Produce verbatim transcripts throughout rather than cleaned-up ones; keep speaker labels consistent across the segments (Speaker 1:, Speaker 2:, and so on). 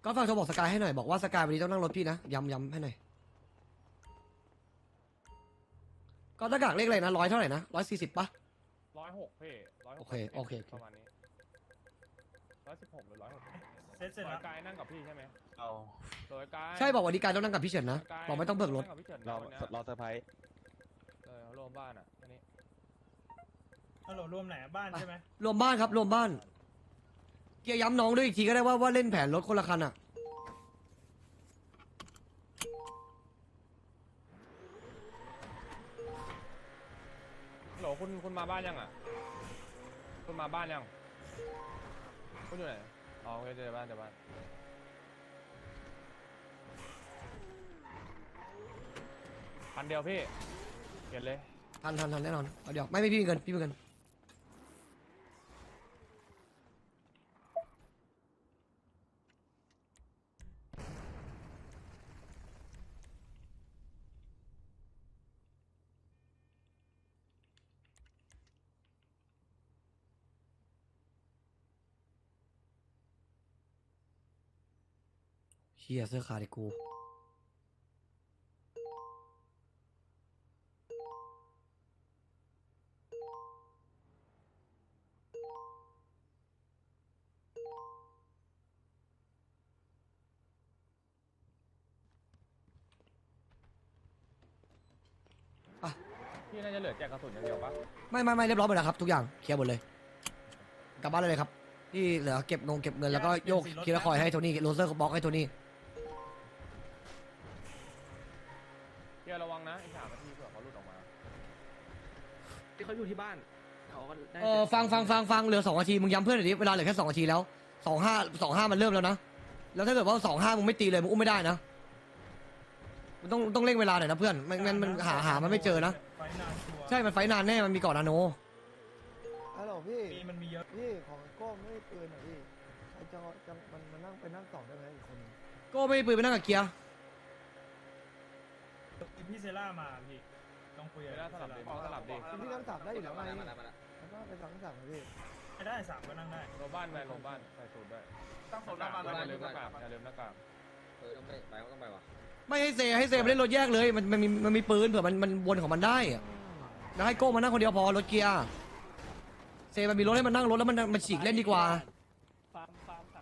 Speaker 1: ก็ฝากโทรบอกสกายให้หน่อยบอกว่าสกายวันนี้ต้องนั่งรถพี่นะย้ำย้ำให้หน่อยก็หน้ากากเลขอะไรนะร้อยเท่าไหร่นะร้อยสี่สิบปะ
Speaker 2: ร้อยหกพี่ร้อยหก
Speaker 1: โอเคโอเค
Speaker 2: ประมาณนี้ร้อยสิบหกหรือร้อยหก
Speaker 3: เสร็จเสร็จ
Speaker 2: ร้อ
Speaker 3: แล้
Speaker 2: ยว กายนั่งกับพี่ใช่ไหม
Speaker 4: เอา
Speaker 2: ร้อยกาย
Speaker 1: ใช่บอกวันนี้กายต้องนั่งกับพี่เฉินนะ
Speaker 2: ร้ยาย
Speaker 1: บอกไม่ต้องเบิกรถ
Speaker 2: นั่งกับพี่เฉิน
Speaker 4: รอ
Speaker 2: วันเนี้ย
Speaker 4: รอเซอร์ไพรส์
Speaker 2: เออรวมบ้านอ่ะอันนี้
Speaker 3: ฮัลโหลรวมไหนอะบ้านใช่ไหม
Speaker 1: รวมบ้านครับรวมบ้านเกียร์ย้ำน้องด้วยอีกทีก็ได้ว่าว่าเล่นแผนรถคนละคันอ่ะ
Speaker 2: ฮัลโหลคุณคุณมาบ้านยังอ่ะคุณมาบ้านยังคุณอยู่ไหนอ๋อโอเคเจอบ้านเจอบ้านพันเดียวพี่เก็บเลย
Speaker 1: ทันทันทันแน่นอนเอาเดี๋ยวไม่ไม่พี่มีเงินพี่มีเงินเฮียเสื้อขาดไอ้กูอ่ะ
Speaker 2: พี่น่าจะเหลือแจกกระสุนอย่างเดียวปะ
Speaker 1: ไม่ไม่ไม่เรียบร้อยหมดแล้วครับทุกอย่างเคลียร์หมดเลยกลับบ้านเลยครับที่เหลือเก็บงงเก็บเงินแล้วก็โยกคีย์คอยให้โทนี่โรเซอร์บล็อกให้โทนี่
Speaker 2: เดี๋ยวระวังนะอีกสามนาทีเผื่อเขาหลุดออกมา
Speaker 5: ที่เขาอยู่ที่บ้านเขาก็ได้
Speaker 1: เออฟังฟังฟังฟังเหลือสองนาทีมึงย้ำเพื่อนหน่อยดิเวลาเหลือแค่สองนาทีแล้วสองห้าสองห้ามันเริ่มแล้วนะแล้วถ้าเกิดว่าสองห้ามึงไม่ตีเลยมึงอุ้มไม่ได้นะมันต้องต้องเร่งเวลาหน่อยนะเพื่อนไม่งั้นมันหาหามันไม่เจอนะ
Speaker 3: ไฟนานชัวร์
Speaker 1: ใช่มันไฟนานแน่มันมีก่อนนาโน
Speaker 6: ฮัลโหลพี่
Speaker 3: ปีมันมีเยอะ
Speaker 6: พี่ของโก้ไม่ได้ปืนเหรอพี่ไอ้จังหวะจังมันมันนั่งไปนั่งสองได้ไหมอีกคนนึง
Speaker 1: ก็ไม่ปืนไปนั่งกับเกียร์
Speaker 3: พี่เซล่ามาพี่ต้องคุย
Speaker 2: เดี๋ยว
Speaker 3: กับ
Speaker 2: สลับดิ
Speaker 3: เซ
Speaker 2: มองส
Speaker 3: ล่า
Speaker 2: ลับดิ
Speaker 6: พี่นั่งสามได้อยู่แล้วไง
Speaker 5: มาแล้วมาแล้ว
Speaker 6: แล้วก็ไปสั่งสั่งนะพี่
Speaker 3: ไม่ได้สามก็นั่งได้
Speaker 2: ลงบ้านไปลงบ้านใส่สูตรด้วย
Speaker 4: ตั้งโซนหน้าบ้าน
Speaker 2: อย่า
Speaker 4: แล้ว
Speaker 2: ลืมหน้ากากอย่าลืมหน้ากาก
Speaker 5: เออต้องไปไปก็ต้องไปว่ะ
Speaker 1: ไม่ให้เซให้เซมาเล่นรถแยกเลยมันมันมีมันมีปืนเผื่อมันมันวนของมันได้อะแล้วให้โก้มานั่งคนเดียวพอรถเกียร์เซมันมีรถให้มันนั่งรถแล้วมันมันฉีกเล่นดีกว่า
Speaker 3: ฟาร์มฟาร์มสาม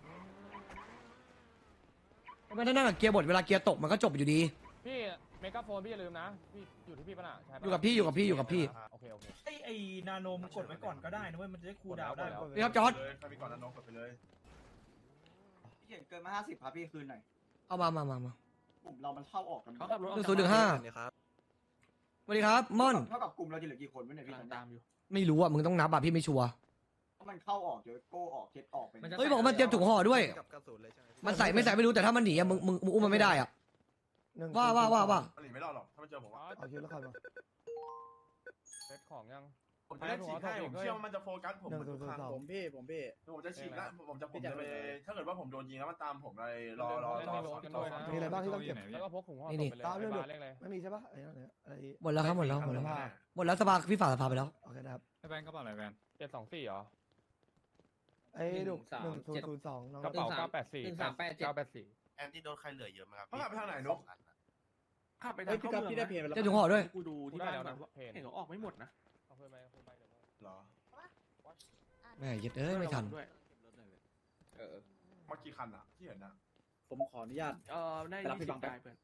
Speaker 1: ไม่ได้นั่งกับเกียร์บดเวลาเกียร์ตกมันก็จบอยู่ดี
Speaker 2: พี่เมกาโฟนพี่อย่าลืมนะพี่อยู่ที่พี่ปะน่ะใช่ปะ
Speaker 1: อยู่กับพี่อยู่กับพี่อยู่กับพี่
Speaker 2: โอเคโอเค
Speaker 3: ไอไอนาโนมกดไว้ก่อนก็ได้นะเว้ยมันจะได้คูลดาวน์ได้
Speaker 2: กดแล้ว
Speaker 1: นี่ครับจอร์ด
Speaker 4: เลยใครมีก่อนนั้นน้องกดไปเลย
Speaker 7: พี่เขียนเกินมาห้าสิบครับพี่คืนหน่อย
Speaker 1: เอามามามามา
Speaker 7: กลุ่มเรามันเข้าออกกัน
Speaker 5: เขาขับรถ
Speaker 1: หนึ่งศูนย์หนึ่งห้า สวัสดีครับม่อน
Speaker 7: เท่ากับกลุ่มเราจะเหลือกี่คนวะเนี่ยพี่
Speaker 5: กำลังตามอยู่
Speaker 1: ไม่รู้อ่ะมึงต้องนับอ่ะพี่ไม่ชัวร์
Speaker 7: เพราะมันเข้าออกเดี๋ยวโก้ออกเคสออกไป
Speaker 5: มันจะ
Speaker 1: เฮ้ยบอกว่ามันเตรียมถุงห่อด้วย
Speaker 4: กับกระสุนเลยใช่ไหม
Speaker 1: มันใส่ไม่ใส่ไม่รู้แต่ถ้ามันหนีอ่ะมึงมึงมึงอุ้มมันไม่ได้อ่ะ
Speaker 6: หนึ่ง
Speaker 1: ว่าว่าว่าว่า
Speaker 4: หนีไม่รอดหรอกถ้ามันเจอผม
Speaker 2: อ๋อ
Speaker 6: เอาคิวแล้วคอยมา
Speaker 2: เซตของยัง
Speaker 4: ผมจะเล่นฉีกให้ผมเชื่อว่ามันจะโฟกัสผม
Speaker 6: หนึ่งศูนย์ศูนย์สอง
Speaker 8: ผมพี่ผมพี่
Speaker 4: ผมจะฉีกแล้วผมจะผมจะไปถ้าเกิดว่าผมโดนยิงแล้วมันตามผมเลยรอรอรอ
Speaker 6: มีอะไรบ้างที่ต้องเก็บ
Speaker 2: แล้วก็พกถุงห่อ
Speaker 1: นี่
Speaker 2: ศพ
Speaker 1: นี่
Speaker 2: ไปเลย
Speaker 6: ตามเรื่อง
Speaker 2: ไปบ้านเล็กเลย
Speaker 6: ไม่มีใช่ปะอะไรนั่นเนี่ยอะไร
Speaker 1: หมดแล้วครับหมดแล้วหมดแล้ว
Speaker 6: ผ้า
Speaker 1: หมดแล้วสภาพี่ฝ่าสภาไปแล้ว
Speaker 6: โอเคนะครับ
Speaker 8: ไอ้แบงค์กระเป๋าอะไรแบงค์
Speaker 2: เจ็ดสองสี่เหรอ
Speaker 6: ไอ้ดุหนึ่งศูนย์ศูนย์สองน้อง
Speaker 2: กระเป๋าเก้าแปดสี่
Speaker 5: หนึ่งสามแปดเจ็ด
Speaker 2: เก้าแปดสี่
Speaker 9: แอนตี้โดนใครเหลือเยอะไหมครับ
Speaker 4: เขาขับไปทางไหนนุ๊ก
Speaker 5: ขับไป
Speaker 8: เฮ้
Speaker 5: ทาย ง
Speaker 8: พี่
Speaker 5: เข้า
Speaker 8: กับ
Speaker 5: เมือง
Speaker 8: พี่ได้เพลงไปแล้ว
Speaker 1: เจ้าถุงห่อด้วย
Speaker 5: กูดู
Speaker 2: กู
Speaker 5: ที่
Speaker 2: ได้
Speaker 5: บ้าน
Speaker 2: แล้ว
Speaker 5: ก่อ
Speaker 2: นะ
Speaker 5: น
Speaker 2: เพน
Speaker 5: เห็นเขาออกไม่หมดนะ
Speaker 2: เอาเพื่อนไปเอาเพื่อนไปเดี๋ยว
Speaker 4: เหรอ
Speaker 1: แม่ยึดเอ้ยไม่ทัน
Speaker 5: ด้วยเออ
Speaker 4: มากี่คันอ่ะที่เห็นอ่ะ
Speaker 8: ผมขออนุญาต
Speaker 5: เออได้
Speaker 8: ไปรับพี่
Speaker 5: ยี่
Speaker 8: บั
Speaker 5: สิ
Speaker 8: ง
Speaker 5: บ
Speaker 8: แป๊บ
Speaker 5: ได้เพื่อน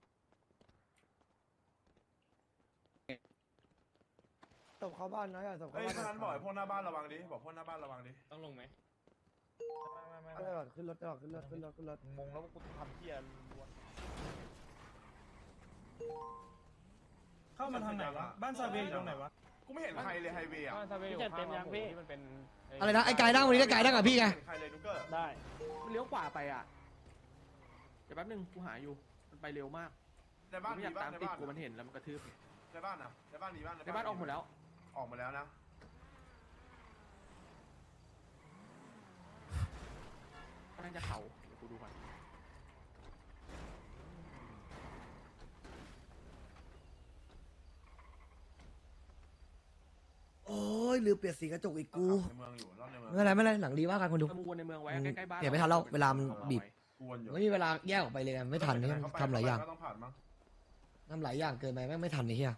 Speaker 6: ตบเข้าบ้านนะอย่าตบเข้า
Speaker 4: เฮ้ย
Speaker 6: บ้าน
Speaker 4: ถ้านั้นบอกไอ้พวกหน้าบ้านระวังดิบอกพวกหน้าบ้านระวังดิ
Speaker 2: ต้องลงไหม
Speaker 6: ไม่ได้หรอกขึ้นรถได้หรอกขึ้นรถขึ้นรถขึ้นรถ
Speaker 2: งงแล้วกูทำเพี้ยล้วน
Speaker 3: เข้ามาทางไหนวะบ้านซาเวียอยู่ตรงไหนวะ
Speaker 4: กูไม่เห็นใครเลยไฮเวย์อ่ะ
Speaker 2: บ้านซาเวย์อยู่ข้างร้านหมูที่มันเป็น
Speaker 1: อะไรนะไอ้กายนั่งวันนี้ก็กายนั่งกับพี่ไง
Speaker 4: ม่เห็นใครเลยนุ๊กเกอร์
Speaker 3: ได้
Speaker 5: มันเลี้ยวขวาไปอ่ะเดี๋ยวแป๊บนึงกูหาอยู่มันไปเร็วมาก
Speaker 4: ในบ้าน
Speaker 5: ไม่
Speaker 4: มี
Speaker 5: อยาก
Speaker 4: บ้า
Speaker 5: ตาน ม
Speaker 4: ใน
Speaker 5: ติด
Speaker 4: บ้าน
Speaker 5: กูมันเห็นแล้วมันกระทืบ
Speaker 4: ในบ้านอ่ะในบ้านมีบ้าน
Speaker 5: ในบ้านออกหมดแล้ว
Speaker 4: ออกมาแล้วนะ
Speaker 5: น่าจะเขาเดี๋ยวกูดูก่อน
Speaker 1: โอ้ยลืมเปลี่ยนสีกระจกอีกกู
Speaker 4: ในเมืองอยู่รอบในเมือง
Speaker 1: ไม่เป็นไรไม่เป็นไรหนังดีว่ากันคนดู
Speaker 5: ถ้ามึงวนในเมืองไว้ใกล้ๆบ้าน
Speaker 1: เดี๋ยวไม่ทันแล้วเวลามันบีบ
Speaker 4: กวนอยู่
Speaker 1: ไม่มีเวลาแยกออกไปเลยไงไม่ทันเนี่ยทำหลายอย่าง
Speaker 4: ก็ต้องผ่านมั้ง
Speaker 1: ทำหลายอย่างเกินไปแม่งไม่ทันไอ้เหี้ย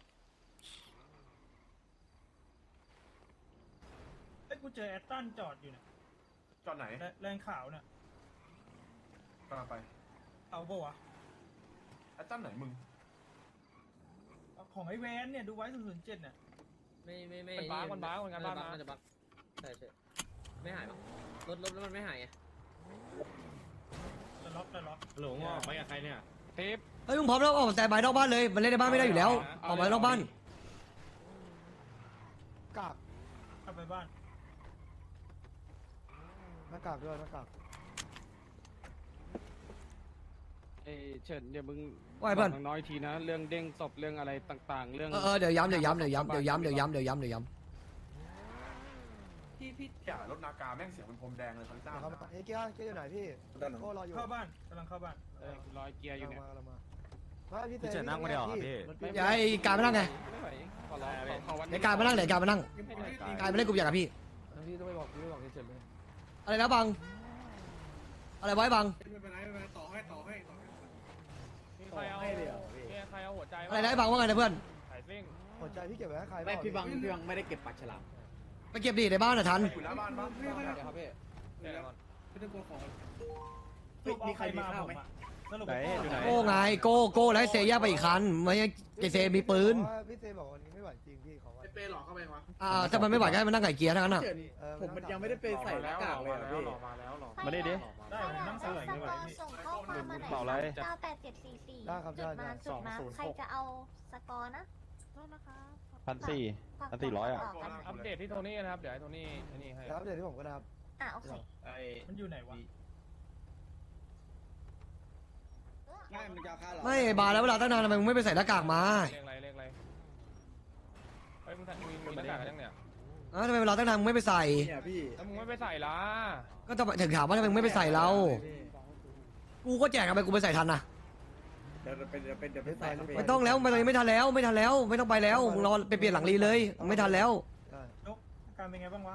Speaker 3: ไอ้ยกูเจอแอตตันจอดอยู่เนี่ย
Speaker 4: จอดไหน
Speaker 3: แลแรงขาวเนี่ย
Speaker 4: กำลังไป
Speaker 3: เอาปะวะ
Speaker 4: ไอ้ตั้นไหนมึง
Speaker 3: เอาของไอ้แวนเนี่ยดูไว้ศูนย์ศูนย์เจ็ดเนี่ย
Speaker 9: ไม่ไม่ไม่
Speaker 2: มันบ้ามันบ้ามันงานบ้านมา
Speaker 9: น่าจะบักใช่ใช่ไม่หายหรอกรถลบแล้วมันไม่หายไง
Speaker 3: จะล็อกจะล็อก
Speaker 8: หลงออกไปกับใครเนี่ย
Speaker 2: ทิป
Speaker 1: เฮ้ยมึงพร้อมแล้วออกแต่บายนอกบ้านเลยมันเล่นในบ้านไม่ได้อยู่แล้วออกมานอกบ้าน
Speaker 6: กาก
Speaker 3: กลับไปบ้าน
Speaker 6: หน้ากากด้วยหน้ากาก
Speaker 10: เอ้ยเฉินเดี๋ยวมึง
Speaker 1: ว่าไงเพื่อน
Speaker 10: บกน้อยทีนะเรื่องเด้งศพเรื่องอะไรต่างๆ เรื่อง
Speaker 1: เออเออเดี๋ยวย้ำเดี๋ยวย้ำเดี๋ยวย้ำเดี๋ยวย้ำเดี๋ยวย้ำเดี๋ยวย้ำเดี๋ยวย้ำ
Speaker 7: พี่พี่
Speaker 4: อย่ารถนากาแม่งเสียงเป็นพรมแดงเลยทั้งเจ้า
Speaker 6: เข้ามาเฮ้ยเกียร์เกียร์อยู่ไหนพี่โอ้รออยู่
Speaker 3: เข้าบ้านกำลังเข้าบ้าน
Speaker 10: เออร้อยเกียร์อยู่เนี่ย
Speaker 6: มาเรามามาพี่
Speaker 8: พี่เฉินนั่งมาเดียวครับพี่
Speaker 1: อย่าให้การมานั่งไง
Speaker 10: ไม่ไหวขอร้องขอขอวัน
Speaker 1: เดี๋ยวการมานั่งเดี๋ยวการมานั่ง
Speaker 10: ไม่ได้
Speaker 1: การมาเล่นกลุ่มใหญ่กับพี่
Speaker 9: พี่ต้องไปบอกพี่ไปบอกเฉยเลย
Speaker 1: อะไรนะบังอะไรไว้บัง
Speaker 2: มีใครเอามีใครเอาหัวใจ
Speaker 1: อะไรนะไอ้บังว่าไงนะเพื่อน
Speaker 2: สายซิ่ง
Speaker 6: หัวใจพี่เก็บไว้ให้ใคร
Speaker 8: ไม่พี่บังพี่บังไม่ได้เก็บปากฉลาม
Speaker 1: ไปเก็บดีในบ้านน่ะทัน
Speaker 4: อยู่หน้าบ้านปะ
Speaker 9: เดี๋ยวครับพี่
Speaker 2: เดี๋ยวก่อน
Speaker 3: สรุปเอาใครมาผมอะสรุป
Speaker 8: ไหนอยู่ไหน
Speaker 1: โก้ไงโก้โก้แล้วให้เซแยกไปอีกคันไม่ใช่เจเซมีปืน
Speaker 6: พี่เซบอกวันนี้ไม่ไหวจริงพี่เขาว่า
Speaker 8: เป้หลอกเข้าไปวะ
Speaker 1: อ่าถ้ามันไม่ไหวก็ให้มันนั่งไก่เกียร์ทั้งนั้นอ่ะ
Speaker 6: เออ
Speaker 8: ผมมันยังไม่ได้ไปใส่หน้ากากเลยอะพี่
Speaker 2: มาแล้วหรอ
Speaker 8: มาได้ดิ
Speaker 3: ได้ผมนั่งสลายไม่ไหวพี่
Speaker 11: ส่งข้อความมาหน่อย
Speaker 8: เปล่าอะไร
Speaker 11: เก้าแปดเจ็ดสี่สี่
Speaker 6: ได้ครับ
Speaker 11: จุ
Speaker 6: ได้
Speaker 11: ดมา
Speaker 6: ได้
Speaker 11: จุดมาใครจะเอาสกอร์นะโทษนะคะ
Speaker 8: พันสี่
Speaker 11: ฝาก
Speaker 8: พันสี่ร้อยอะ
Speaker 11: ฝาก
Speaker 2: อัพอัปเดตที่โทนี่นะครับเดี๋ยวให้โทนี่ไอ้นี่ให้
Speaker 6: แล้วเดี๋ยวที่ผมก็ได้ครับ
Speaker 11: อ่ะโอเค
Speaker 3: มันอยู่ไหนวะ
Speaker 8: ง่ายมันจะฆ่าเรา
Speaker 1: ไม่บาร์แล้วเวลาตั้งนานทำไมมึงไม่ไปใส่หน้ากากมา
Speaker 2: เลขอะไรเลขอะไรเฮ้ยมึงมีมีหน้ากากกันยังเนี่ย
Speaker 1: อ่าทำไมเวลาตั้งนานมึงไม่ไปใส่
Speaker 8: เนี่ยพี่
Speaker 2: แล้วมึงไม่ไปใส่ละ
Speaker 1: ก็จะถึงถามว่าทำไมมึงไม่ไปใส่เรากูก็แจกทำไมกูไปใส่ทันนะ
Speaker 8: เดี๋ยวเป็นเดี๋ยวเป็นเดี๋ยวเป็นใส่
Speaker 1: ไม่ต้องแล้วไม่ไม่ทันแล้วไม่ทันแล้วไม่ต้องไปแล้วมึงรอไปเปลี่ยนหลังรีเลยไม่ทันแล้ว
Speaker 6: ได้
Speaker 3: นกอาการเป็นไงบ้างวะ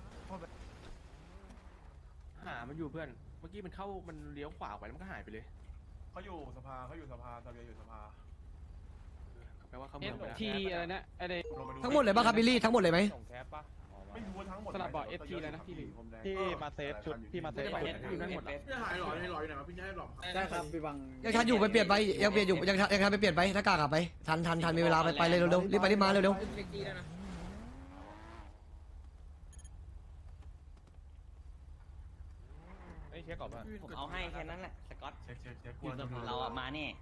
Speaker 5: หามันอยู่เพื่อนเมื่อกี้มันเข้ามันเลี้ยวขวาไปแล้วมันก็หายไปเลย
Speaker 4: เขาอยู่สภาเขาอยู่สภาซาเบียอยู่สภา
Speaker 5: แปลว่าเขา
Speaker 10: เอ
Speaker 5: เมือง
Speaker 10: ส
Speaker 5: ไปแล้ว
Speaker 10: ทีอะไรนะไอ้เด็ก
Speaker 4: ลงไปดู
Speaker 1: ทั้งหมดเลยป่ะครับบิลลี่ทั้งหมดเลยไหม
Speaker 2: ส่งแคปปะอ๋อมา
Speaker 4: ไม่รู้ว่าทั้งหมด
Speaker 10: สลับบอก เอส ที เลยนะที่
Speaker 4: พรมแดง
Speaker 8: ที่มาเซฟชุดที่มาเซฟ
Speaker 5: ไปเอสอยู่นั่นหมดแล้ว
Speaker 8: หายหลอยหลอยอยู่ไหนวะพี่ให้หลอกได้ครับพี่บัง
Speaker 1: ยังทันอยู่ไปเปลี่ยนไปยังเปลี่ยนอยู่ยังทันยังทันไปเปลี่ยนไปหน้ากากอะไปทันทันทันมีเวลาไปไปเลยเร็วๆรีบไปรีบมาเร็ว
Speaker 9: เล็กจีแล้วนะ
Speaker 2: ไอ้ยเช็คก่อนป่ะ
Speaker 7: ผมเอาให้แค่นั้นแหละสกอต
Speaker 4: เช็คเช็คเช็ค
Speaker 7: เราอะมาเนี่ย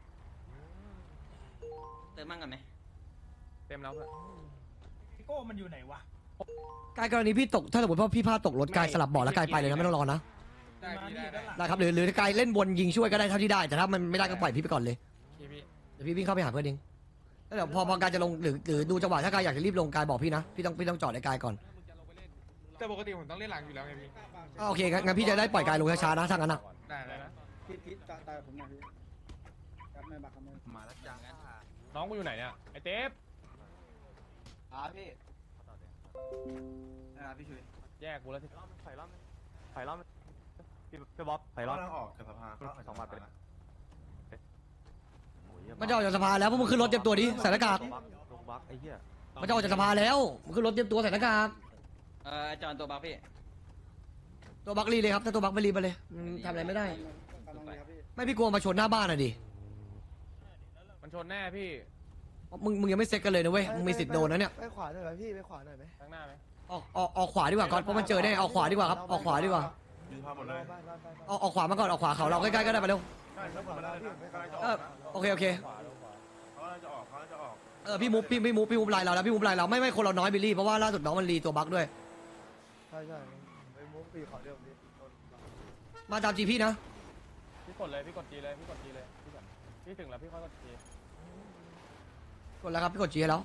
Speaker 7: เติมมั่งกันไหม
Speaker 2: เต็มแล้วเพื่อน
Speaker 3: พี่โก้มันอยู่ไหนวะ
Speaker 1: ๆกายกรณีพี่ตกถ้าสมมติว่าพี่พลาดตกรถกายสลับเบาะแล้วกายไปเลยนะไม่ต้องรอนะ
Speaker 2: ได้
Speaker 3: มา
Speaker 2: พี่
Speaker 3: นี่
Speaker 2: ได้
Speaker 3: ด้านหลัง
Speaker 1: ได้ครับหรือหรือกายเล่นบนยิงช่วยก็ได้เท่าที่ได้แต่ถ้ามันไม่ได้ก็ปล่อยพี่ไปก่อนเลย
Speaker 2: พี่พี่
Speaker 1: เดี๋ยวพี่วิ่งเข้าไปหาเพื่อนเองแล้วเดี๋ยวพอพอกายจะลงหรือหรือดูจังหวะถ้ากายอยากจะรีบลงกายบอกพี่นะพี่ต้องพี่ต้องจอดในกายก่อน
Speaker 2: แต่ปกติผมต้องเล่นหลังอยู่แล้วไงพี่
Speaker 1: อ่าโอเคงั้นงั้นพี่จะได้ปล่อยกายลงช้าๆนะถ้างั้นนะ
Speaker 2: ได้เลยนะ
Speaker 8: พี่พี่ตาตาผมหน่อยพี่ครับไม่บักครับไม่
Speaker 7: มาแล้วจ้า
Speaker 2: น้องกูอยู่ไหนเนี่ยไอ้เทป
Speaker 7: อ่าพี่อ่าพี่ชุย
Speaker 2: แยกกูแล้วที่
Speaker 8: ไผ่ล้อมไผ่ล้อมพี่พี่บ๊อบไผ่ล้อม
Speaker 4: กำลังออกจากสภาเขา
Speaker 8: สองบาทไปเลย
Speaker 1: มันจะออกจากสภาแล้วพวกมึงขึ้นรถเตรียมตัวดิใส่หน้ากาก
Speaker 8: ลงบักไอ้เหี้ย
Speaker 1: มันจะออกจากสภาแล้วมึงขึ้นรถเตรียมตัวใส่หน้ากาก
Speaker 7: เอ่อจอนตัวบักพี่
Speaker 1: ตัวบักรีเลยครับถ้าตัวบักไม่รีบไปเลยมันทำอะไรไม่ได้
Speaker 8: กำลังดีครับพี่
Speaker 1: ไม่พี่กลัวมาชนหน้าบ้านอ่ะดิ
Speaker 2: มันชนแน่พี่
Speaker 1: มึงมึงยังไม่เซ็ตกันเลยนะเว้ยมึงมีสิทธิ์โดนนะเนี่ย
Speaker 6: ไปขวาหน่อยไหมพี่ไปขวาหน่อยไหม
Speaker 2: ข้างหน้าไหม
Speaker 1: ออกออกออกขวาดีกว่าก่อนเพราะมันเจอแน่ออกขวาดีกว่าครับออกขวาดีกว่า
Speaker 4: อยู่สภาหมดเลย
Speaker 6: บ้านบ้านบ้าน
Speaker 1: ออกออกขวามาก่อนออกขวาเขาเราใกล้ๆก็ได้ไปเร็ว
Speaker 4: ใช่ทั้งหมดเลยนะกำลังจะอ
Speaker 1: เอ
Speaker 4: อ
Speaker 1: อก
Speaker 4: นะ
Speaker 1: โอเคโอเค
Speaker 2: ขวาลงขวา
Speaker 4: เขากำลังจะออกเขากำลังจะออก
Speaker 1: เออพี่มุกพี่พี่มุกพี่มุกไลน์เราแล้วพี่มุกไลน์เราไม่ไม่คนเราน้อยบิลลี่เพราะว่าล่าสุดน้องมันรีตัวบักด้วย
Speaker 6: ใช่ใช่ไปมุกปีขอเดิมดิ
Speaker 1: มาตามจีพี่นะ
Speaker 2: พี่กดเลยพี่กดจีเลยพี่กดจีเลยพี่กดพี่ถึงแล้วพี่ค่อยกดจี
Speaker 1: กดแล้วครับพี่กดจีให้แล้ว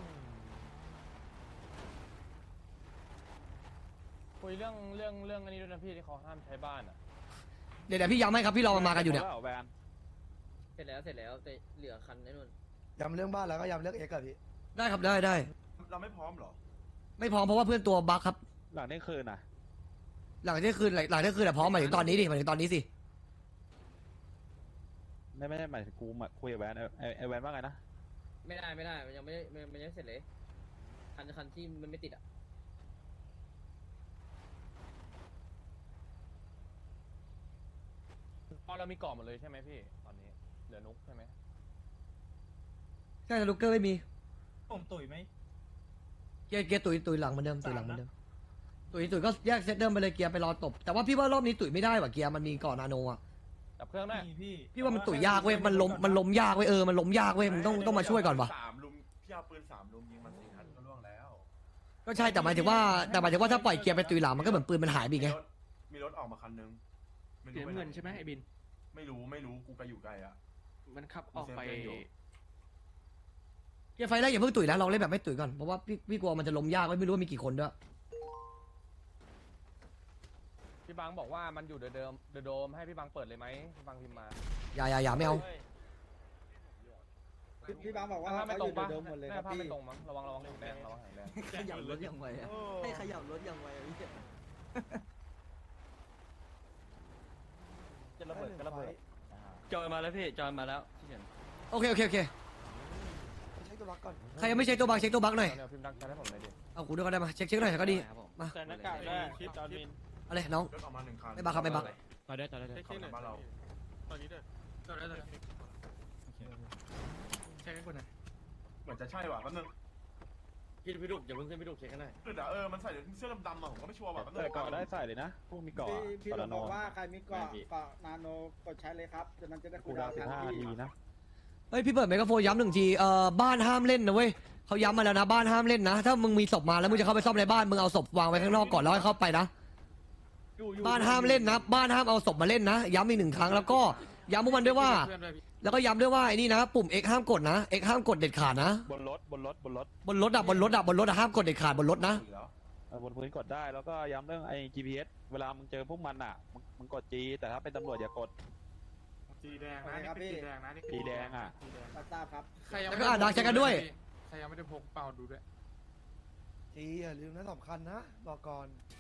Speaker 2: คุยเรื่องเรื่องเรื่องอันนี้ด้วยนะพี่ที่เขาห้ามใช้บ้านอ่ะ
Speaker 1: เดี๋ยวเดี๋ยวพี่ย้ำให้ครับพี่รอมันมากันอยู่เนี่ย
Speaker 8: แวน
Speaker 9: เสร็จแล้วเสร็จแล้วแต่เหลือคันไอ้นู่น
Speaker 6: ย้ำเรื่องบ้านแล้วก็ย้ำเรื่องเอ็กซ์กับพี่
Speaker 1: ได้ครับได้ได้
Speaker 4: เราไม่พร้อมเหรอ
Speaker 1: ไม่พร้อมเพราะว่าเพื่อนตัวบักครับ
Speaker 8: หลังเที่ยงคืนน่ะ
Speaker 1: หลังเที่ยงคืนหลังเที่ยงคืนแหละพร้อมหมายถึงตอนนี้ดิหมายถึงตอนนี้สิ
Speaker 8: ไม่ไม่ได้หมายถึงกูมาคุยกับแวนไอ้ไอ้ไอ้แวนว่าไงนะ
Speaker 9: ไม่ได้ไม่ได้มันยังไม่ได้มันมันยังไม่เสร็จเลยคันคันที่มันไม่ติดอ่ะ
Speaker 2: พอเรามีกล่องหมดเลยใช่ไหมพี่ตอนนี้เหลือนุกใช่ไหม
Speaker 1: ใช่แต่ลูกเกอร์ไม่มี
Speaker 3: ผมตุ๋ยไหม
Speaker 1: เกียร์เกียร์ตุยตุยหลังเหมือนเดิมตุยหลังเหมือนเดิมตุยตุยก็แยกเซตเดิมไปเลยเกียร์ไปรอตบแต่ว่าพี่ว่ารอบนี้ตุยไม่ได้ว่ะเกียร์มันมีก่อนนาโนอ่ะ
Speaker 2: ดับเครื่องได้
Speaker 3: มีพี่
Speaker 1: พี่ว่ามันตุยยากเว้ยมันล้มมันล้มยากเว้ยเออมันล้มยากเว้ยมึงต้องต้องมาช่วยก่อนว่ะ
Speaker 4: สามลุมพี่เอาปืนสามลุมยิงมันสี่นัดก็ล่วงแล้ว
Speaker 1: ก็ใช่แต่หมายถึงว่าแต่หมายถึงว่าถ้าปล่อยเกียร์ไปตุยหลังมันก็เหมือนปืนมันหายไปอีกไง
Speaker 4: มีรถมีรถออกมาคันนึงไม่
Speaker 5: สี
Speaker 4: รู้
Speaker 5: น้ำ
Speaker 4: ป
Speaker 5: เงินใช่ไหมไอ้บิน
Speaker 4: ไม่รู้ไม่รู้กูไปอยู่ไกลอะ
Speaker 5: มันขับออกไป
Speaker 4: กูเซฟเพื่อนอยู่
Speaker 1: เกียร์ไฟแรกอย่าเพิ่งตุยนะลองเล่นแบบไม่ตุยก่อนเพราะว่าพี่พี่กลัวมันจะล้มยากเว้ยไม่รู้ว่ามีกี่คนด้วย
Speaker 2: พี่บังบอกว่ามันอยู่เดิมเดิมโดมให้พี่บังเปิดเลยไหมพี่บังพิมพ์มา
Speaker 1: อย่าอย่าอย่าไม่เอา
Speaker 7: พี่บางบอกว่า
Speaker 2: ถ้าไม่
Speaker 7: เขา
Speaker 2: ตร
Speaker 7: อง ยู่
Speaker 2: ปะ
Speaker 7: ในโดมหมดเลย
Speaker 2: ห
Speaker 7: ค
Speaker 2: น้า
Speaker 7: รับ
Speaker 2: ภาพ
Speaker 7: พี่
Speaker 2: ไม่ตรงมั้งระวังระวังหางแดงระวังหางแดง
Speaker 7: ขยับรถยังไวอะให้ขยับรถยังไวอะพี่
Speaker 8: จะระเบิดก็ระเบิด
Speaker 9: จอยมาแล้วพี่จอยมาแล้วที่เห็น
Speaker 1: โอเคโอเคโอเค
Speaker 6: ใช้ตัวล็อกก่อน
Speaker 1: ใครยังไม่เช็คตัวบังเช็คตัวบังหน่อย
Speaker 2: เนี่ยพิมพ์ดังใจให้ผมเลยดิ
Speaker 1: เอากูด้วยก็ได้มาเช็คเช็คหน่อยก็ดีมา
Speaker 10: ใส่หน้ากากได้คิดจอร์มิน
Speaker 1: เอาเลยน้อง
Speaker 4: รถออกมาหนึ่งคัน
Speaker 1: ไม่บังครับไม่บัง
Speaker 10: ต่อได้ต่อได้
Speaker 4: ขับมาบ้านเรา
Speaker 10: ตอนนี้ด้วยต่อได้ต่อได้ใช่คนไหน
Speaker 4: เหมือนจะใช่ว่ะแป๊บนึง
Speaker 9: พี่พี่ดุกอย่าเพิ่งขึ้นพี่ดุกเช็คกันหน่อย
Speaker 4: คือแต่เออมันใส่เสื้อดำๆมาผมก็ไม่ชัวร์ว่ะแป๊บนึ
Speaker 8: ใส่
Speaker 4: ง
Speaker 8: เกาะได้ใส่เลยนะพวกมีเกาะ
Speaker 7: พี่
Speaker 8: กา
Speaker 7: เรา
Speaker 8: ลาโน
Speaker 7: บอกว่าใครมีเกาะเกาะนาโนกดใช้เลยครับจากนั้นจะได้
Speaker 8: กู
Speaker 7: คูล
Speaker 8: ดา
Speaker 7: ดาว ว
Speaker 8: สิบ
Speaker 7: ทัน
Speaker 8: ห้า
Speaker 7: พี่
Speaker 8: ทีนะ
Speaker 1: เฮ้ยพี่เปิดไมโครโฟนย้ำหนึ่งทีเอ่อบ้านห้ามเล่นนะเว้ยเขาย้ำมาแล้วนะบ้านห้ามเล่นนะ ถ้ามึงมีศพมาแล้วมึงจะเข้าไปซ่อมในบ้านมึงเอาศพวางไว้ข้างนอกก่อนแล้วให้เข้าไปนะบ้านห้ามเล่นนะบ้านห้ามเอาศพมาเล่นนะย้ำอีกหนึ่งครั้งแล้วก็ย้ำพวกมันด้วยว่า แล้วก็ย้ำด้วยว่าไอ้นี่นะปุ่ม X ห้ามกดนะ X ห้ามกดเด็ดขาดนะ
Speaker 8: บนรถบนรถบนรถ
Speaker 1: บนรถอะบนรถอะบนรถอะห้ามกดเด็ดขาดบนรถนะ
Speaker 4: ถูกแล้ว
Speaker 8: เออบนพื้นกดได้แล้วก็ย้ำเรื่องไอ้ จี พี เอส เวลามึงเจอพวกมันอ่ะมึงมึงกด G แต่ถ้าเป็นตำรวจอย่ากด
Speaker 10: สีแดงนะนี่เป็นสีแดงนะนี่
Speaker 8: สีแดงอ่ะ
Speaker 7: ทราบครับ
Speaker 10: ใครยัง
Speaker 1: แล้วก็อ่านดักแชทกันด้วย
Speaker 10: ใครยังไม่ได้พกเป่าดูด้วย
Speaker 6: จีอย่าลืมนะสำคัญนะบอกก่อน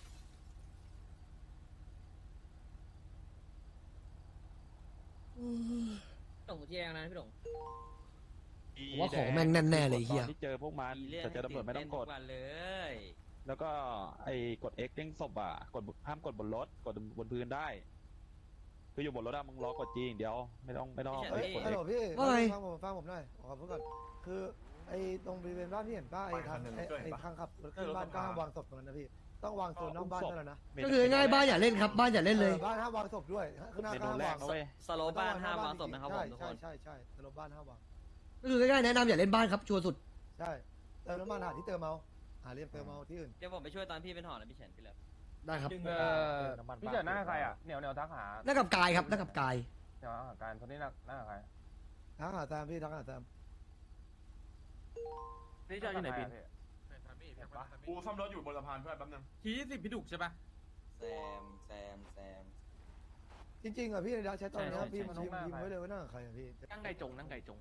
Speaker 9: หลงที่แดงนะพี่หลง
Speaker 1: ผมว่าของแม่งแน่ๆเลยเฮีย
Speaker 8: ตอนที่เจอพวกมันแต่เจอตำรวจไม่ต้องกด
Speaker 9: วันเลย
Speaker 8: แล้วก็ไอ้กด X เด้งศพอ่ะกดห้ามกดบนรถกดบนพื้นได้คืออยู่บนรถอะมึงรอกด G อย่างเดียวไม่ต้องไม่ต้อง
Speaker 6: เฮ้ย
Speaker 8: ไปกด
Speaker 6: ฮัลโหล
Speaker 8: X
Speaker 6: พี่
Speaker 1: ว่าไง
Speaker 6: ฟังผมฟังผมหน่อยขอพูดก่อนคือไอ้ตรงบริเวณบ้านที่เห็นป้าไอ้ทางไอ้ไอ้ทางขับรถขึ้นบ้านก็ห้ามวางศพตรงนั้นนะพี่ต้องวางโซนนอกบ้านเท่านั้นนะ
Speaker 1: ก็คือง่ายๆบ้านอย่าเล่นครับบ้านอย่าเล่นเลย
Speaker 6: ออบ้านห้ามวางศพด้วยข้างหน้า
Speaker 8: เม
Speaker 6: ก็
Speaker 8: นู
Speaker 6: ห้าม
Speaker 8: แร
Speaker 6: วาก ง
Speaker 8: นะเว้ย
Speaker 9: สโลบ้านห้ามวางศพนะครับผมทุกคน
Speaker 6: ใช่ใช่ใช่สโลบ้านห้ามวาง
Speaker 1: ก็คือง่ายๆแนะนำอย่าเล่นบ้านครับชัวร์สุด
Speaker 6: ใช่เติมน้ำมันหาที่เติมเอาหาเรียมเติมเอาที่อื่น
Speaker 9: เดี๋ยวผมไปช่วยตอนพี่เป็นหอนะพี่เฉินพี่เลิฟ
Speaker 1: ได้ครับ
Speaker 2: เออพี่เจอหน้าใครอ่ะเหนียวเหนียวทักหา
Speaker 1: หน้ากับกายครับหน้ากับกาย
Speaker 2: เหนียวหาการคนนี้หน้าหน้าใคร
Speaker 6: ทั้งหาแซมพี่ทั้งหาแซม
Speaker 5: นี่จอยอยู่ไหนบิน
Speaker 4: กูซ่อมรถอยู่บนสะพานเพื่อนแป๊บนึง
Speaker 10: ทียี่สิบพี่ดุกใช่ปะ
Speaker 9: แซมแซมแซม
Speaker 6: จริงๆอ่ะพี่ในดาใช้ตอนเนี้ย
Speaker 9: ใช่ใช่
Speaker 6: พี่มันพิมพ์พิมพ์ไว้เลยว่าหน้าใครอ่ะพี่
Speaker 5: นั่งไก่จงนั่งไก่จง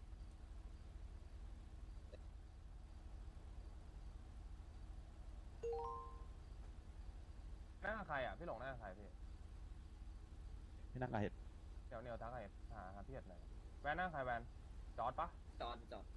Speaker 2: หน้าใครอ่ะพี่หลงหน้าใครพี่
Speaker 8: พี่นั่งกับเห็ด
Speaker 2: เหนียวเหนียวทักหาหาหาพี่เห็ดหน่อยแวนหน้าใครแวนจอดปะ
Speaker 9: จอดจอด